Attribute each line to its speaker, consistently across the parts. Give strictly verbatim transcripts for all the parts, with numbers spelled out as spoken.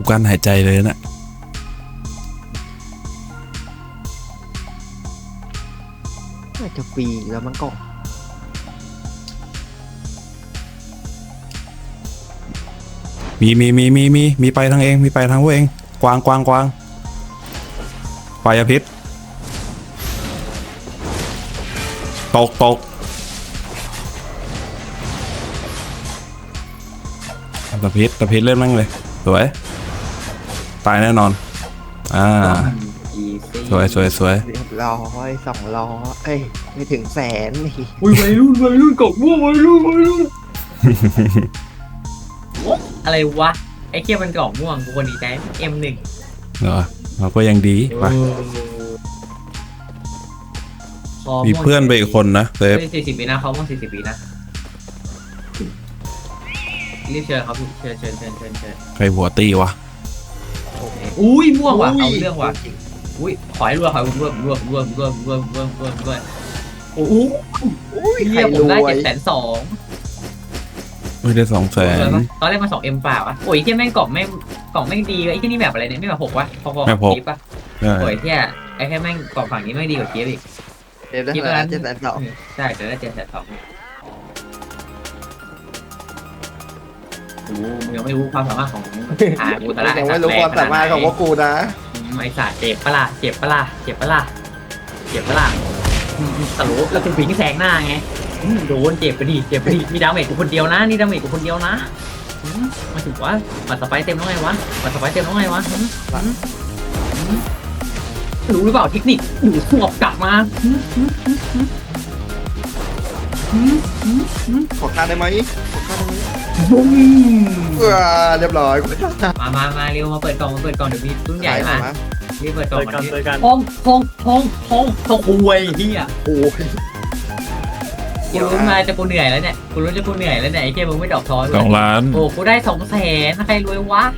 Speaker 1: กั้นหายใจเลยนะ
Speaker 2: น่าจะฟรีแล้วมันก็
Speaker 1: มีมีมีมีมีมีไปทางเองมีไปทางพวกเองกวางกวางกวางไฟพิษตกตกตะพิษตะพิษเล่นมั่งเลยสวยตายแน่นอนอ่าสวยสวยสวย
Speaker 2: เรียบร้อยสองร้อยเอ้ยไม่ถึงแสนนี่
Speaker 3: อุ้ยวัยรุ่นวัยรุ่นกบม่วงวัยรุ่นวัยรุ่นอะไรวะไอ้เคี้ยมันกล่องม่วงกูคนดีใจเอ็มหนึ่ง
Speaker 1: เหรอเราก็ยังดีไปมีเพื่อนไปอีกคนนะเซฟ
Speaker 3: สี่สิบปีนะเขาม่วงสี่สิบปีนะรีบเชิญครับเชิญเชิญเชิญเชิญเชิญ
Speaker 1: ใครหัวตีวะ
Speaker 3: อุ้ยม่วงว่ะเอาเรื่องว่ะอุ้ยขอให้รวยขอให้รวยรวยรวยรวยรวยรวยรวยรวยโอ้โหเรียกผมได้เจ็ดแสนสอง
Speaker 1: ไม่ได้สองแสน
Speaker 3: ตอนแรกมาสองเอ็มเปล่าอ่ะโอ้ยที่แม่งกล่องไม่กล่องไม่ดีเลยไอ้ที่นี่แบบอะไรเนี่ยไม่แบบหกวะพอๆกับกีบป่ะโอ้ยที่ไอ้แค่แม่งกล่องฝั่งนี้ไม่ดีกว่ากีบอีก
Speaker 2: กีบได้เจ็ดแสนสอง
Speaker 3: ใช่เดี๋ยวได้เจ็ดแสนสองโอ้มึงยังไม่รู้ความสามารถของอ่ากูตละ
Speaker 2: ยังไม่รู้ความสามารถของพวกกูนะ
Speaker 3: ไอ้สัตว์เจ็บปะล่ะเจ็บปะล่ะเจ็บปะล่ะเจ็บปะล่ะตลกแล้วคุณผิงแสงหน้าไงโดนเจ็บไปดิเจ็บไปดิมีดาเมจกูคนเดียวนะนี่ดาเมจกูคนเดียวนะมาถึงว่าบัตรสไปเต็มแล้วไงวะบัตรสไปเต็มแล้วไงวะรู้หรือเปล่าเทคนิคอยู่สวบกลับมา
Speaker 2: ขอค่าได้ไหมขอค่าได้ไหม
Speaker 3: บุ้ม
Speaker 2: เออเรียบร้อย
Speaker 3: มามามาเร็วมาเปิดกล่องมาเปิดกล่องเดี๋ยวมีตุ้นใหญ่มารีบเปิดกล่องมาดิ
Speaker 4: ห้
Speaker 3: องห้องห้องห้องห้องอวยเฮีย
Speaker 2: โอ้ย
Speaker 3: กูรู้มาจะกูเหนื่อยแล้วเนี่ยกูรู้จะกูเหนื่อยแล้วเนี่ยไอ้เจ้ามึงไม่ดอกทอย
Speaker 1: สองล้าน
Speaker 3: โอ้กูได้สองแสนใครรวยวะ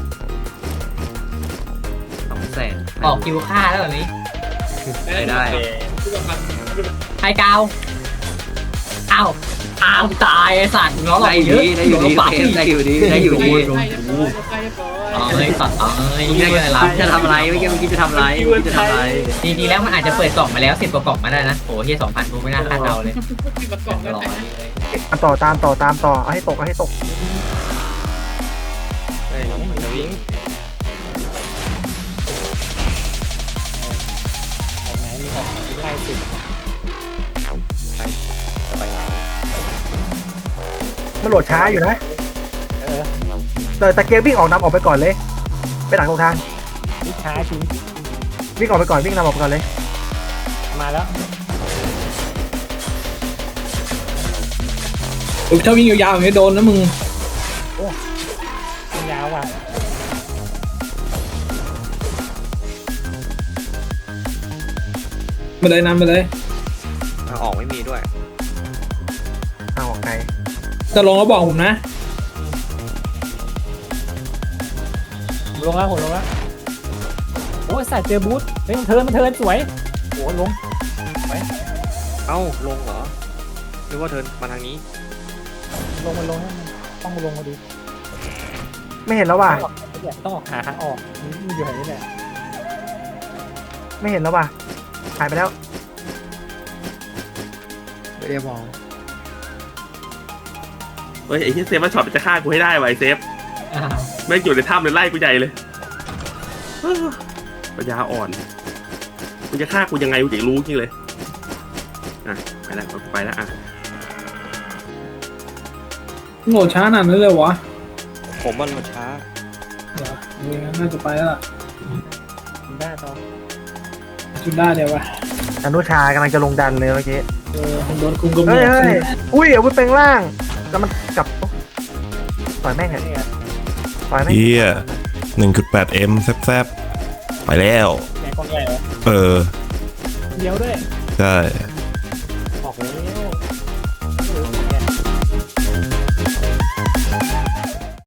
Speaker 3: สองแสนออกคิวค่าแล้วแบบนี้ไม่ได้ไฮกาวอ้าวอ้าวตายไอ้สัตว์น้องเราเยอะได้อยู่ดีได้อยู่ดีได้อยู่ดีไอ้สัตว์ไอ้เรื่องอะไรจะทำอะไรไม่คิดไม่คิดจะทำอะไรจะทำอะไรจริงๆแล้วมันอาจจะเปิดกล่องมาแล้วสิบกว่ากล่องมาได้นะโอ้เฮียสองพันกูไม่น่าคาดเดาเลย
Speaker 4: ต่อตามต่อตามต่อเอาให้ตกเอาให้ตกมันโหลดช้าอยู่นะแต่ตะเกียบวิ่งออกนำออกไปก่อนเลยไปหลังตรงทางวิ่งช้าจริงวิ่งออกไปก่อนวิ่งนำออกไปก่อนเลยมาแล้ว
Speaker 5: ถ้าวิ่งยาวๆอย่างนี้โดนนะมึง
Speaker 4: โอ้ยาวว่ะ
Speaker 5: ไปเลยนำไปเลย
Speaker 2: ออกไม่มีด้วย
Speaker 4: เอาออกไกล
Speaker 5: จะลงแล้วบอกผมนะ
Speaker 4: ลงแล้วผมลงแล้วโอ้ยใส่เจอบูทเฮ้ยมันเทิร์นมันเทิร์นสวยโอ้ลงไป
Speaker 2: เอ้าลงเหรอหรือว่าเทิร์นมาทางนี้
Speaker 4: ลงมันลงต้องลงมาดูไม่เห็นแล้วว่ะต้องออกหาทางออกมันอยู่ไหนนี่แหละไม่เห็นแล้วว่ะหายไปแล้ว
Speaker 2: ไม่ได้มอง
Speaker 6: เฮ้ยไอ้ที่เซฟมาช็อตจะฆ่ากูให้ได้ไว้เซฟแม่งอยู่ในถ้ำเลยไล่กูใหญ่เลยปัญญาอ่อนกูจะฆ่ากูยังไงกูจะรู้จริงเลยอ่ะไปแล้วไปแล้วอ่ะ
Speaker 5: โง่ช้าหนาดนั้นเลยวะ
Speaker 2: ผมมันมาช้า
Speaker 5: เหรอเนี่ยน่าจะไปแล้วล่ะ
Speaker 4: จุดได้ต่อ
Speaker 5: จุดได้เดี๋ยววะ
Speaker 4: อนุชากำลังจะลงดันเลยเมื่อกี้
Speaker 5: เออโดนคุมกระ
Speaker 4: บอกเฮ้ยอุ้ยอาวุธแปลงร่างแล้วมันกลับต่อยแม่งเหรอต่อยแม่ง
Speaker 1: เฮียหนึ่งจุดแปดเอ็มแซบๆไปแล้ว
Speaker 4: แม่งคนใหญ่เหรอ
Speaker 1: เออ
Speaker 4: เดียวด้วย
Speaker 1: ใช่